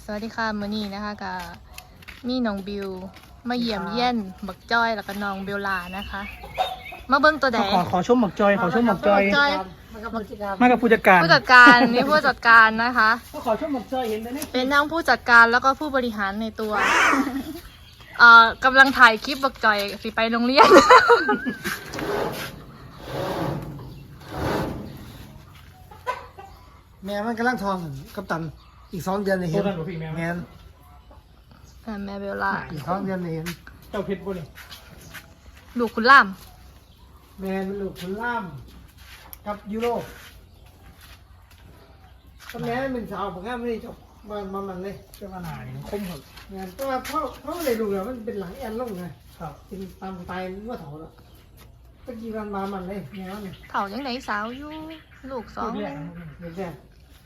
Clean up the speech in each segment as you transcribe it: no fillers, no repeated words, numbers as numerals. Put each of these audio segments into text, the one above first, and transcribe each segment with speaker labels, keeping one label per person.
Speaker 1: วัสดีค่ะมื้อนี้นะคะกับมีน้องบิวมาเยี่ยมเยี่ยนบักจ้อยแล้วก็น้องเบลลานะคะ มาเบิ้งตัวแดง
Speaker 2: ขอชมหมกจอยขอชมหมกจอย
Speaker 1: จอย
Speaker 2: มากับผู้จัดการ
Speaker 1: ผู้จัดการนี่ผู้จัดการนะคะ
Speaker 2: ก็ขอชมหมกจอยเห็นได้ไหม
Speaker 1: เป็นทั้งผู้จัดการแล้วก็ผู้บริหารในตัวกำลังถ่ายคลิปบักจ้อยสิไปโรงเรียน
Speaker 3: แม่มันกำลังทองกับตันอีก2 เดือนเลยเห็น
Speaker 2: โทรกันหรือพี่แม่
Speaker 3: แม่น
Speaker 1: แม่เบลลา
Speaker 3: อีก2 เดือนเลยเห็น
Speaker 2: เจ้าเพชรบ่นี่
Speaker 1: ลูกคุณล่าม
Speaker 3: แม่นลูกคุณล่ามกับยูโรก็แม่เป็นสาวผมก็ไม่ได้จบมันเลย
Speaker 2: เจ้าหน้านี่คมเหรอ
Speaker 3: แม่นแต่ว่าเขาเลยดูแล้วมันเป็นหลังแอนลงไง
Speaker 2: ครับ
Speaker 3: เป็นตามตายเมื่อเถาแล้วตะกี้มันมามันเลยแม่เนี่ย
Speaker 1: เฒ่ายังไหนสาวอยู่ลูกสอง
Speaker 2: เรียก
Speaker 3: เด็กแก่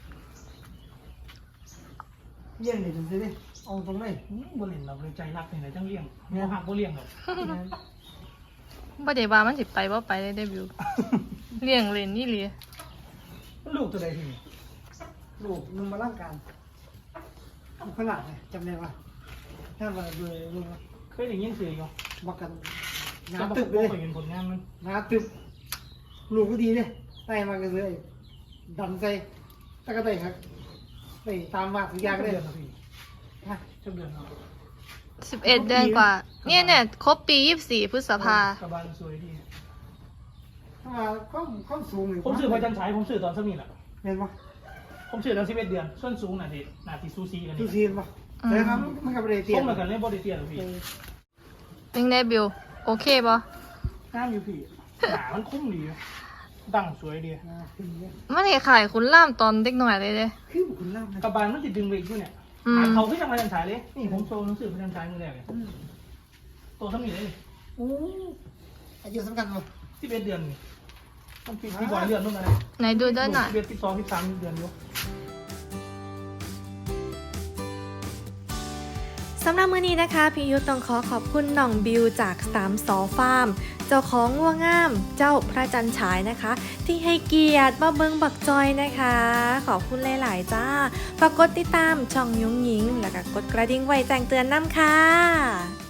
Speaker 3: เยี่ยนเลยถึงสิเอาตรงไหน
Speaker 2: บ่เล่นเราเลยใจรักนี่แหละจังเลี้ยงบ่หักบ่เลี้ยงหรอก
Speaker 3: แม่น
Speaker 1: บ่ได้ว่ามันสิไปบ่ไปเลยได้บิวเลี้ยงเล่นนี่เลย
Speaker 2: ลูกตัวใดที่นี่
Speaker 3: ลูกนุ่มมาร่างกายขนาดเลยจำได้ปะถ้ามาเลยลูก
Speaker 2: เคยได้ยินเสียงอยู่
Speaker 3: บอกกันหนา
Speaker 2: แต่
Speaker 3: ตึบ
Speaker 2: บ่
Speaker 3: เลย
Speaker 2: เคยเห็นผลงานมัน
Speaker 3: หนาตึบลูกก็ดีเลยไต่มากันเลยดันใจตะกะไต่ครับไต่ตามมาสัญญาก็
Speaker 2: เดื
Speaker 3: ได้
Speaker 2: อนนะพี่
Speaker 3: ฮะ
Speaker 2: เจ้าเดือนเนาะ
Speaker 1: 11 เดือนกว่าเนี่ยครบปี24 พฤษภา
Speaker 2: สบายสวยดี
Speaker 3: ถ้ามาข้อสูงหรือ
Speaker 2: ผมซื้อพระจันทร์ฉายผมซื้อตอนสมิธอ่ะ
Speaker 3: เห็นปะ
Speaker 2: ผมซื้อตอน11 เดือนส่วนสูงน่ะที่ซูซีกัน
Speaker 3: ดู
Speaker 2: นี่
Speaker 3: ซีนปะแต่ครับมันกับเรเตีย
Speaker 2: ส่
Speaker 3: น
Speaker 2: งแล้วกันเลยบ่ได้เตี้ยหรอกพี่
Speaker 1: เป็นไงบิวโอเคปะ
Speaker 2: งามอยู่พี่หนามันคุ้มดีดังสวยดี
Speaker 1: มันขายคุณล่ามตอนเด็กหน่อยเลยเด้
Speaker 3: คือบุคคลล่ามนะ
Speaker 2: กระบาลมันติดดึงเบรกอยู่เนี่ย
Speaker 1: อืม
Speaker 2: เขาขึ้นจากพระจันทร์ฉายเลยนี่ผมโชว์หนังสือพระจันทร์ฉายมือแรกเลยตัวสมิธเลย
Speaker 3: โอ้อายุสำคัญปะ
Speaker 2: 11 เดือนนี่ต้องพี่บอยเดือนนู่นอะไร
Speaker 1: ไหนดูด้วยหน่อย
Speaker 2: 11 12 13เดือนอยู่
Speaker 4: สำหรับมื้อนี้นะคะพี่ยุทธต้องขอบคุณน้องบิวจาก3 สอฟาร์มเจ้าของงัวงามเจ้าพระจันทร์ฉายนะคะ ที่ให้เกียรติมาเบิงบักจอยนะคะ ขอบคุณหลายๆจ้าฝากกดติดตามช่องยุ้งยิงแล้วก็กดกระดิ่งไว้แจ้งเตือนน้ำค่ะ